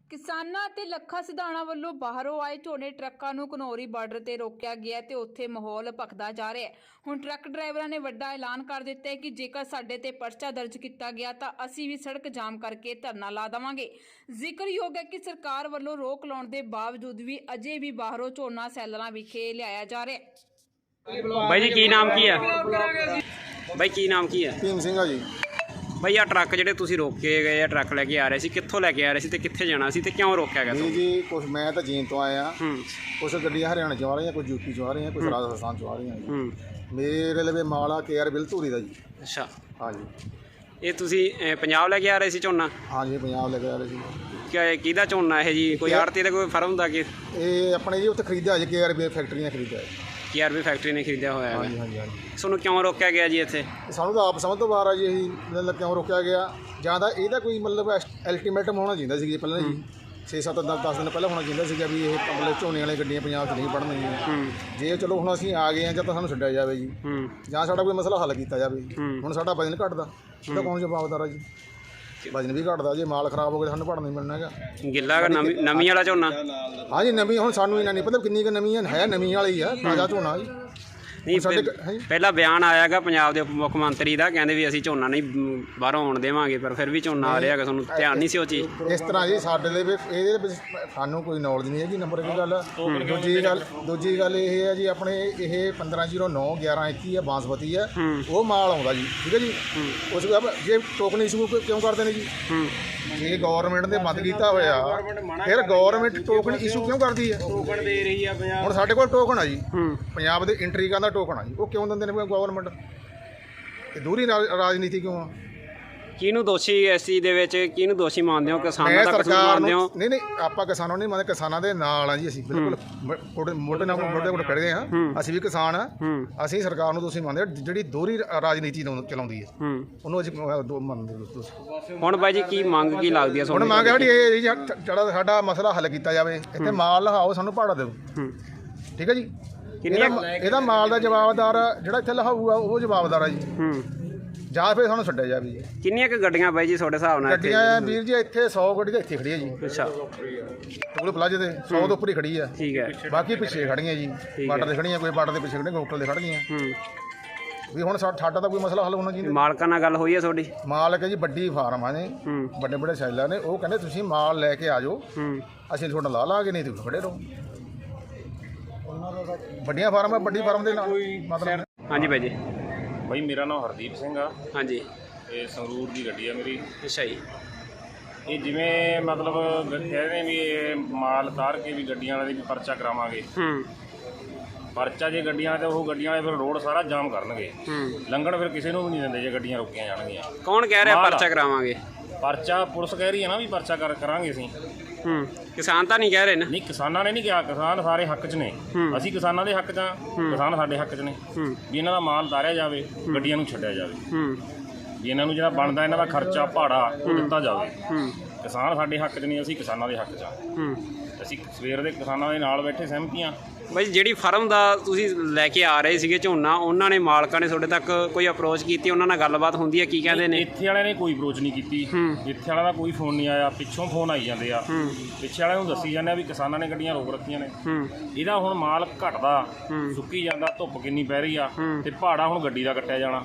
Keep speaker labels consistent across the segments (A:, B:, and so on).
A: ਕਿਸਾਨਾਂ ਅਤੇ ਲੱਖਾ ਸਿਧਾਣਾ ਵੱਲੋਂ ਬਾਹਰੋਂ ਆਏ ਝੋਨੇ ਟਰੱਕਾਂ ਨੂੰ ਘਨੌਰੀ ਬਾਰਡਰ ਤੇ ਰੋਕਿਆ ਗਿਆ ਤੇ ਉੱਥੇ ਮਾਹੌਲ ਭਖਦਾ ਜਾ ਰਿਹਾ ਹੈ। ਹੁਣ ਟਰੱਕ ਡਰਾਈਵਰਾਂ ਨੇ ਵੱਡਾ ਐਲਾਨ ਕਰ ਦਿੱਤਾ ਹੈ ਕਿ ਜੇਕਰ ਸਾਡੇ ਤੇ ਪਰਚਾ ਦਰਜ ਕੀਤਾ ਗਿਆ ਤਾਂ ਅਸੀਂ ਵੀ ਸੜਕ ਜਾਮ ਕਰਕੇ ਧਰਨਾ ਲਾ ਦੇਵਾਂਗੇ। ਜ਼ਿਕਰਯੋਗ ਹੈ ਕਿ ਸਰਕਾਰ ਵੱਲੋਂ ਰੋਕ ਲਾਉਣ ਦੇ ਬਾਵਜੂਦ ਵੀ ਅਜੇ ਵੀ ਬਾਹਰੋਂ ਝੋਨਾ ਸੈਲਰਾਂ ਵਿਖੇ ਲਿਆਇਆ ਜਾ ਰਿਹਾ ਹੈ।
B: ਬਾਈ ਜੀ ਕੀ ਨਾਮ ਕੀ ਹੈ? ਬਾਈ ਕੀ ਨਾਮ ਕੀ ਹੈ?
C: ਭੀਮ ਸਿੰਘ ਆ ਜੀ।
B: ਬਾਈ ਆ ਟਰੱਕ ਜਿਹੜੇ ਤੁਸੀਂ ਰੋਕੇ ਗਏ ਆ, ਟਰੱਕ ਲੈ ਕੇ ਆ ਰਹੇ ਸੀ, ਕਿੱਥੋਂ ਲੈ ਕੇ ਆ ਰਹੇ ਸੀ ਤੇ ਕਿੱਥੇ ਜਾਣਾ ਸੀ ਤੇ ਕਿਉਂ ਰੋਕਿਆ ਗਿਆ
C: ਨਹੀਂ ਜੀ, ਕੁਛ ਮੈਂ ਤਾਂ ਜੀਨ ਤੋਂ ਆਇਆ।
B: ਹੂੰ
C: ਕੁਛ ਗੱਡੀਆਂ ਹਰਿਆਣਾ ਚੋਂ ਆ ਰਹੀਆਂ, ਕੁਝ ਯੂਪੀ ਚੋਂ ਆ ਰਹੀਆਂ, ਕੁਝ ਰਾਜਸਥਾਨ ਚੋਂ ਆ ਰਹੀਆਂ ਜੀ।
B: ਹੂੰ
C: ਮੇਰੇ ਲਵੇ ਮਾਲ ਆ KR ਬਿਲਧੂਰੀ ਦਾ ਜੀ।
B: ਅੱਛਾ,
C: ਹਾਂ ਜੀ।
B: ਇਹ ਤੁਸੀਂ ਪੰਜਾਬ ਲੈ ਕੇ ਆ ਰਹੇ ਸੀ ਝੋਨਾ?
C: ਹਾਂ ਜੀ, ਪੰਜਾਬ ਲੈ ਕੇ ਆ ਰਹੇ ਸੀ।
B: ਕਿਹਦਾ ਝੋਨਾ ਇਹ ਜੀ? ਕੋਈ ਆੜਤੀ ਦਾ ਕੋਈ ਫਰਮ ਦਾ ਕਿ
C: ਇਹ ਆਪਣੇ ਜੀ ਉੱਥੇ ਖਰੀਦਿਆ ਜੀ, KR ਫੈਕਟਰੀ ਨੇ ਖਰੀਦਿਆ ਜੀ।
B: KRB ਫੈਕਟਰੀ ਨੇ ਖਰੀਦਿਆ ਹੋਇਆ
C: ਹਾਂਜੀ
B: ਹੈ।
C: ਹਾਂਜੀ ਹਾਂਜੀ।
B: ਤੁਹਾਨੂੰ ਕਿਉਂ ਰੋਕਿਆ ਗਿਆ ਜੀ ਇੱਥੇ?
C: ਸਾਨੂੰ ਤਾਂ ਆਪ ਸਮਝ ਤੋਂ ਬਾਹਰ ਆ ਜੀ। ਇਹੀ ਮਤਲਬ ਕਿਉਂ ਰੋਕਿਆ ਗਿਆ, ਜਾਂ ਤਾਂ ਇਹਦਾ ਕੋਈ ਮਤਲਬ ਅਲਟੀਮੇਟਮ ਹੋਣਾ ਚਾਹੀਦਾ ਸੀ ਜੀ ਪਹਿਲਾਂ ਜੀ। 6-7 10 ਦਿਨ ਪਹਿਲਾਂ ਹੋਣਾ ਚਾਹੀਦਾ ਸੀਗਾ ਵੀ ਇਹ ਮਤਲਬ ਝੋਨੇ ਵਾਲੀਆਂ ਗੱਡੀਆਂ ਪੰਜਾਬ 'ਚ ਨਹੀਂ ਪੜਨਗੀਆਂ। ਜੇ ਚਲੋ ਹੁਣ ਅਸੀਂ ਆ ਗਏ ਹਾਂ, ਜਾਂ ਤਾਂ ਸਾਨੂੰ ਛੱਡਿਆ ਜਾਵੇ ਜੀ, ਜਾਂ ਸਾਡਾ ਕੋਈ ਮਸਲਾ ਹੱਲ ਕੀਤਾ ਜਾਵੇ। ਹੁਣ ਸਾਡਾ ਵਜਨ ਘਟਦਾ, ਉਹਦਾ ਕੌਣ ਜਵਾਬਦਾਰ ਆ ਜੀ? ਵਜਨ ਵੀ ਘਟਦਾ, ਜੇ ਮਾਲ ਖਰਾਬ ਹੋ ਗਿਆ ਸਾਨੂੰ ਭੜਨਾ ਨਹੀਂ ਮਿਲਣਾ ਹੈਗਾ।
B: ਗਿੱਲਾ ਨਵੀਂ ਵਾਲਾ ਝੋਨਾ?
C: ਹਾਂ ਜੀ, ਨਵੀਂ। ਹੁਣ ਸਾਨੂੰ ਇਹਨਾਂ ਨਹੀਂ ਪਤਾ ਕਿੰਨੀ ਕੁ ਨਵੀਂ ਹੈ ਨਵੀਂ ਵਾਲੀ ਆ, ਤਾਜ਼ਾ ਝੋਨਾ ਜੀ।
B: ਨਹੀਂ, ਪਹਿਲਾਂ ਬਿਆਨ ਆਇਆਗਾ ਪੰਜਾਬ ਦੇ ਮੁੱਖ ਮੰਤਰੀ ਦਾ, ਕਹਿੰਦੇ ਵੀ ਅਸੀਂ ਝੋਨਾ ਨਹੀਂ ਬਾਹਰੋਂ ਆਉਣ ਦੇਵਾਂਗੇ, ਪਰ ਫਿਰ ਵੀ ਝੋਨਾ ਆ ਰਿਹਾ ਹੈਗਾ। ਤੁਹਾਨੂੰ ਧਿਆਨ ਨਹੀਂ ਸੀ ਉਹ ਚੀਜ਼?
C: ਇਸ ਤਰ੍ਹਾਂ ਜੀ ਸਾਡੇ ਲਈ ਇਹਦੇ ਵਿੱਚ ਸਾਨੂੰ ਕੋਈ ਨੌਲੇਜ ਨਹੀਂ ਹੈਗੀ, ਨੰਬਰ 1 ਗੱਲ। ਦੂਜੀ ਗੱਲ ਇਹ ਹੈ ਜੀ, ਆਪਣੇ ਇਹ 1509 1121 ਹੈ, ਬਾਂਸਪਤੀ ਹੈ, ਉਹ ਮਾਲ ਆਉਂਦਾ ਜੀ। ਠੀਕ ਹੈ ਜੀ। ਉਸ ਜੇ ਟੋਕਨ ਇਸ਼ੂ ਕਿਉਂ ਕਰਦੇ ਨੇ ਜੀ? ਜੇ ਗਵਰਨਮੈਂਟ ਨੇ ਬੰਦ ਕੀਤਾ ਹੋਇਆ, ਫਿਰ ਗਵਰਨਮੈਂਟ ਟੋਕਨ ਇਸ਼ੂ ਕਿਉਂ ਕਰਦੀ ਹੈ?
B: ਟੋਕਨ ਦੇ ਰਹੀ ਆ ਪੰਜਾਬ।
C: ਹੁਣ ਸਾਡੇ ਕੋਲ ਟੋਕਨ ਆ ਜੀ, ਪੰਜਾਬ ਦੇ ਐਂਟਰੀ ਕਰਨ ਦਾ ਟੋਕਨ ਆ ਜੀ, ਉਹ ਕਿਉਂ ਦਿੰਦੇ ਨੇ ਗਵਰਨਮੈਂਟ? ਇਹ ਦੂਰੀ ਰਾਜਨੀਤੀ ਕਿਉਂ ਆ?
B: ਕਿਹਨੂੰ ਦੋਸ਼ੀ ਇਸ ਚੀਜ਼ ਦੇ ਵਿੱਚ, ਕਿਹਨੂੰ ਦੋਸ਼ੀ ਮੰਨਦੇ ਹੋ? ਕਿਸਾਨਾਂ ਦਾ ਕਸੂਰ
C: ਸਰਕਾਰ
B: ਮੰਨਦੇ ਹੋ?
C: ਨਹੀਂ, ਆਪਾਂ ਕਿਸਾਨਾਂ ਨੂੰ ਨਹੀਂ ਮੰਨਦੇ, ਕਿਸਾਨਾਂ ਦੇ ਨਾਲ ਆ ਜੀ ਅਸੀਂ। ਬਿਲਕੁਲ ਮੋਢੇ ਨਾਲ ਮੋਢੇ ਕੋਲ ਖੜੇ ਹਾਂ। ਅਸੀਂ ਵੀ ਕਿਸਾਨ ਆ। ਅਸੀਂ ਸਰਕਾਰ ਨੂੰ ਦੋਸ਼ੀ ਮੰਨਦੇ, ਜਿਹੜੀ ਦੋਹਰੀ ਰਾਜਨੀਤੀ ਚਲਾਉਂਦੀ ਹੈ ਉਹਨੂੰ ਅਸੀਂ ਮੰਨਦੇ।
B: ਹੁਣ ਬਾਈ ਜੀ ਕੀ ਮੰਗ ਕੀ ਲੱਗਦੀ ਹੈ
C: ਹੁਣ ਮੰਗ ਹੈ ਸਾਡੀ ਇਹ ਜਿਹੜਾ ਸਾਡਾ ਮਸਲਾ ਹੱਲ ਕੀਤਾ ਜਾਵੇ। ਇੱਥੇ ਮਾਲ ਲਹਾਓ, ਸਾਨੂੰ ਭਾੜਾ ਦਿਓ। ਠੀਕ ਹੈ ਜੀ। ਇਹਦਾ ਮਾਲ ਦਾ ਜਵਾਬਦਾਰ ਜਿਹੜਾ ਇੱਥੇ ਲਹਾਊਗਾ ਉਹ ਜਵਾਬਦਾਰ ਆ ਜੀ, ਜਾਂ ਫਿਰ ਸਾਨੂੰ ਛੱਡਿਆ ਜਾਵੇ ਜੀ।
B: ਕਿੰਨੀਆਂ ਕੁ ਗੱਡੀਆਂ ਬਾਈ ਜੀ ਤੁਹਾਡੇ ਹਿਸਾਬ ਨਾਲ?
C: ਗੱਡੀਆਂ ਵੀਰ ਜੀ ਇੱਥੇ 100 ਗੱਡੀ ਤਾਂ ਇੱਥੇ ਖੜੀ ਹੈ ਜੀ।
B: ਅੱਛਾ,
C: ਟੋਲ ਪਲਾਜ਼ੇ ਤੇ 100 ਤੋਂ ਉੱਪਰ ਹੀ ਖੜੀ ਆ।
B: ਠੀਕ ਹੈ।
C: ਬਾਕੀ ਪਿੱਛੇ ਖੜੀਆਂ ਜੀ, ਬਾਰਡਰ ਤੇ ਖੜੀਆਂ, ਕੋਈ ਬਾਰਡਰ ਦੇ ਪਿੱਛੇ ਖੜੀਆਂ, ਕੋਈ ਹੋਟਲ ਦੇ ਖੜ ਗਈਆਂ। ਵੀ ਹੁਣ ਸਾਡਾ ਤਾਂ ਕੋਈ ਮਸਲਾ ਹੱਲ ਹੋਣਾ ਚਾਹੀਦਾ।
B: ਮਾਲਕਾਂ ਨਾਲ ਗੱਲ ਹੋਈ ਹੈ ਤੁਹਾਡੀ?
C: ਮਾਲਕ ਜੀ ਵੱਡੀ ਫਾਰਮਾਂ ਨੇ, ਵੱਡੇ ਵੱਡੇ ਸੈਲਰ ਨੇ, ਉਹ ਕਹਿੰਦੇ ਤੁਸੀਂ ਮਾਲ ਲੈ ਕੇ ਆ ਜਾਓ, ਅਸੀਂ ਤੁਹਾਡਾ ਲਾ ਲਾਂਗੇ, ਨਹੀਂ ਤੁਸੀਂ ਖੜੇ ਰਹੋ। ਵੱਡੀਆਂ ਫਾਰਮਾਂ, ਵੱਡੀ ਫਾਰਮ ਦੇ ਨਾਲ ਮਤਲਬ। ਹਾਂਜੀ
B: ਬਾਈ ਜੀ।
D: ਬਾਈ ਮੇਰਾ ਨਾਮ ਹਰਦੀਪ ਸਿੰਘ ਆ।
B: ਹਾਂਜੀ।
D: ਇਹ ਸੰਗਰੂਰ ਦੀ ਗੱਡੀ ਆ ਮੇਰੀ।
B: ਅੱਛਾ ਜੀ।
D: ਇਹ ਜਿਵੇਂ ਮਤਲਬ ਕਹਿੰਦੇ ਵੀ ਇਹ ਮਾਲ ਉਤਾਰ ਕੇ ਵੀ ਗੱਡੀਆਂ ਵਾਲੇ ਦੀ ਵੀ ਪਰਚਾ ਕਰਾਵਾਂਗੇ। ਪਰਚਾ ਜੇ ਗੱਡੀਆਂ ਵਾਲੇ, ਉਹ ਗੱਡੀਆਂ ਵਾਲੇ ਫਿਰ ਰੋਡ ਸਾਰਾ ਜਾਮ ਕਰਨਗੇ। ਲੰਘਣ ਫਿਰ ਕਿਸੇ ਨੂੰ ਵੀ ਨਹੀਂ ਦਿੰਦੇ ਜੇ ਗੱਡੀਆਂ ਰੋਕੀਆਂ ਜਾਣਗੀਆਂ।
B: ਕੌਣ ਕਹਿ ਰਿਹਾ ਪਰਚਾ ਕਰਾਵਾਂਗੇ?
D: ਪਰਚਾ ਪੁਲਿਸ ਕਹਿ ਰਹੀ ਹੈ ਨਾ ਵੀ ਪਰਚਾ ਕਰਾਂਗੇ ਅਸੀਂ।
B: ਕਿਸਾਨ ਤਾਂ ਨਹੀਂ ਕਹਿ ਰਹੇ ਨੇ?
D: ਨਹੀਂ, ਕਿਸਾਨਾਂ ਨੇ ਨਹੀਂ ਕਿਹਾ। ਕਿਸਾਨ ਸਾਰੇ ਹੱਕ 'ਚ ਨੇ। ਅਸੀਂ ਕਿਸਾਨਾਂ ਦੇ ਹੱਕ 'ਚ ਆ, ਕਿਸਾਨ ਸਾਡੇ ਹੱਕ 'ਚ ਨੇ ਵੀ ਇਹਨਾਂ ਦਾ ਮਾਲ ਉਤਾਰਿਆ ਜਾਵੇ, ਗੱਡੀਆਂ ਨੂੰ ਛੱਡਿਆ ਜਾਵੇ, ਵੀ ਇਹਨਾਂ ਨੂੰ ਜਿਹੜਾ ਬਣਦਾ ਇਹਨਾਂ ਦਾ ਖਰਚਾ ਭਾੜਾ ਉਹ ਦਿੱਤਾ ਜਾਵੇ। ਕਿਸਾਨ ਸਾਡੇ ਹੱਕ 'ਚ ਨਹੀਂ, ਅਸੀਂ ਕਿਸਾਨਾਂ ਦੇ ਹੱਕ 'ਚ ਆ। ਅਸੀਂ ਸਵੇਰ ਦੇ ਕਿਸਾਨਾਂ ਦੇ ਨਾਲ ਬੈਠੇ ਸਹਿਮਤੀਆਂ।
B: ਬਾਈ ਜਿਹੜੀ ਫਰਮ ਦਾ ਤੁਸੀਂ ਲੈ ਕੇ ਆ ਰਹੇ ਸੀਗੇ ਝੋਨਾ, ਉਹਨਾਂ ਨੇ ਮਾਲਕਾਂ ਨੇ ਤੁਹਾਡੇ ਤੱਕ ਕੋਈ ਅਪਰੋਚ ਕੀਤੀ? ਉਹਨਾਂ ਨਾਲ ਗੱਲਬਾਤ ਹੁੰਦੀ ਹੈ? ਕੀ ਕਹਿੰਦੇ ਨੇ?
D: ਇੱਥੇ ਵਾਲਿਆਂ ਨੇ ਕੋਈ ਅਪਰੋਚ ਨਹੀਂ ਕੀਤੀ। ਇੱਥੇ ਵਾਲਿਆਂ ਦਾ ਕੋਈ ਫੋਨ ਨਹੀਂ ਆਇਆ, ਪਿੱਛੋਂ ਫੋਨ ਆਈ ਜਾਂਦੇ ਆ। ਪਿੱਛੇ ਵਾਲਿਆਂ ਨੂੰ ਦੱਸੀ ਜਾਂਦੇ ਆ ਵੀ ਕਿਸਾਨਾਂ ਨੇ ਗੱਡੀਆਂ ਰੋਕ ਰੱਖੀਆਂ ਨੇ। ਇਹਦਾ ਹੁਣ ਮਾਲ ਘਟਦਾ, ਸੁੱਕੀ ਜਾਂਦਾ, ਧੁੱਪ ਕਿੰਨੀ ਪੈ ਰਹੀ ਆ, ਤੇ ਭਾੜਾ ਹੁਣ ਗੱਡੀ ਦਾ ਕੱਟਿਆ ਜਾਣਾ।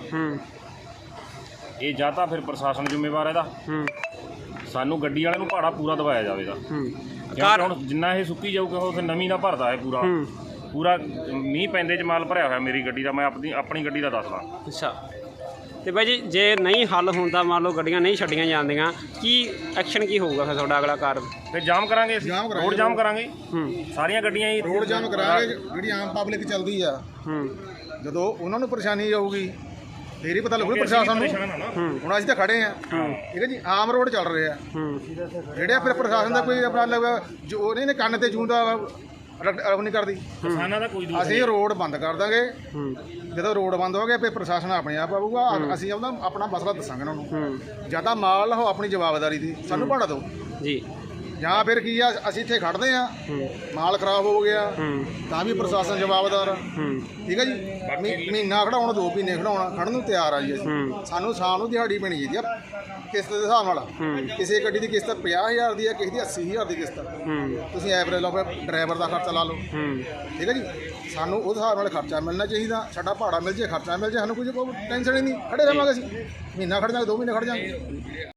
D: ਇਹ ਜਾਂ ਤਾਂ ਫਿਰ ਪ੍ਰਸ਼ਾਸਨ ਜ਼ਿੰਮੇਵਾਰ ਇਹਦਾ, ਸਾਨੂੰ ਗੱਡੀ ਵਾਲਿਆਂ ਨੂੰ ਭਾੜਾ ਪੂਰਾ ਦਵਾਇਆ ਜਾਵੇਗਾ। ਹੁਣ ਜਿੰਨਾ ਇਹ ਸੁੱਕੀ ਜਾਊਗਾ ਉਹ ਫਿਰ ਨਵੀਂ ਦਾ ਭਰਦਾ ਹੈ ਪੂਰਾ ਮੀਂਹ ਪੈਂਦੇ 'ਚ ਮਾਲ ਭਰਿਆ ਹੋਇਆ ਮੇਰੀ ਗੱਡੀ ਦਾ। ਮੈਂ ਆਪਣੀ ਗੱਡੀ ਦਾ ਦੱਸਦਾ।
B: ਅੱਛਾ। ਤੇ ਬਾਈ ਜੀ ਜੇ ਨਹੀਂ ਹੱਲ ਹੁੰਦਾ, ਮੰਨ ਲਓ ਗੱਡੀਆਂ ਨਹੀਂ ਛੱਡੀਆਂ ਜਾਂਦੀਆਂ, ਕੀ ਐਕਸ਼ਨ ਕੀ ਹੋਊਗਾ ਫਿਰ ਤੁਹਾਡਾ ਅਗਲਾ ਕਾਰਜ?
D: ਫਿਰ ਜਾਮ ਕਰਾਂਗੇ, ਰੋਡ ਜਾਮ ਕਰਾਂਗੇ। ਸਾਰੀਆਂ ਗੱਡੀਆਂ ਹੀ
C: ਰੋਡ ਜਾਮ ਕਰਾਂਗੇ। ਜਿਹੜੀ ਆਮ ਪਬਲਿਕ ਚੱਲਦੀ ਆ, ਜਦੋਂ ਉਹਨਾਂ ਨੂੰ ਪਰੇਸ਼ਾਨੀ ਆਊਗੀ ਫੇਰ ਹੀ ਪਤਾ ਲੱਗੂ ਪ੍ਰਸ਼ਾਸਨ ਨੂੰ। ਹੁਣ ਅਸੀਂ ਤਾਂ ਖੜੇ ਆ, ਠੀਕ ਹੈ ਜੀ, ਆਮ ਰੋਡ ਚੱਲ ਰਹੇ ਆ ਜਿਹੜੇ, ਫਿਰ ਪ੍ਰਸ਼ਾਸਨ ਦਾ ਕੋਈ ਆਪਣਾ ਜੋ ਉਹਨੇ ਨੇ ਕੰਨ ਤੇ ਜੂੰਦਾ ਉਹ ਨਹੀਂ ਕਰਦੀ।
D: ਕਿਸਾਨਾਂ ਦਾ ਕੋਈ
C: ਅਸੀਂ ਰੋਡ ਬੰਦ ਕਰ ਦਾਂਗੇ। ਜਦੋਂ ਰੋਡ ਬੰਦ ਹੋ ਗਿਆ ਫਿਰ ਪ੍ਰਸ਼ਾਸਨ ਆਪਣੇ ਆਪ ਆਊਗਾ। ਅਸੀਂ ਆਪਣਾ ਮਸਲਾ ਦੱਸਾਂਗੇ ਉਹਨਾਂ ਨੂੰ। ਜਾਂ ਤਾਂ ਮਾਲ ਲਓ ਆਪਣੀ ਜਵਾਬਦਾਰੀ ਦੀ, ਸਾਨੂੰ ਭਾੜਾ ਦਿਓ
B: ਜੀ।
C: ਜਾਂ ਫਿਰ ਕੀ ਆ ਅਸੀਂ ਇੱਥੇ ਖੜਦੇ ਆ ਮਾਲ ਖਰਾਬ ਹੋ ਗਿਆ ਤਾਂ ਵੀ ਪ੍ਰਸ਼ਾਸਨ ਜਵਾਬਦਾਰ ਆ ਠੀਕ ਹੈ ਜੀ ਮਹੀਨਾ ਖੜਾਉਣਾ 2 ਮਹੀਨੇ ਖੜਾਉਣਾ ਖੜਨ ਨੂੰ ਤਿਆਰ ਆ ਜੀ ਅਸੀਂ ਸਾਨੂੰ ਸ਼ਾਮ ਨੂੰ ਦਿਹਾੜੀ ਪੈਣੀ ਚਾਹੀਦੀ ਆ ਕਿਸ਼ਤ ਦੇ ਹਿਸਾਬ ਨਾਲ ਕਿਸੇ ਗੱਡੀ ਦੀ ਕਿਸ਼ਤ 50,000 ਦੀ ਆ ਕਿਸੇ ਦੀ 80,000 ਦੀ ਕਿਸ਼ਤ ਤੁਸੀਂ ਐਵਰੇਜ ਲਾਓ ਫਿਰ ਡਰਾਈਵਰ ਦਾ ਖਰਚਾ ਲਾ ਲਓ ਠੀਕ ਹੈ ਜੀ ਸਾਨੂੰ ਉਸ ਹਿਸਾਬ ਨਾਲ ਖਰਚਾ ਮਿਲਣਾ ਚਾਹੀਦਾ ਸਾਡਾ ਭਾੜਾ ਮਿਲ ਜੇ ਖਰਚਾ ਮਿਲ ਜੇ ਸਾਨੂੰ ਕੋਈ ਟੈਨਸ਼ਨ ਹੀ ਨਹੀਂ ਖੜੇ ਰਹਾਂਗੇ ਅਸੀਂ ਮਹੀਨਾ ਖੜ ਜਾਵਾਂਗੇ 2 ਮਹੀਨੇ ਖੜ ਜਾਵਾਂਗੇ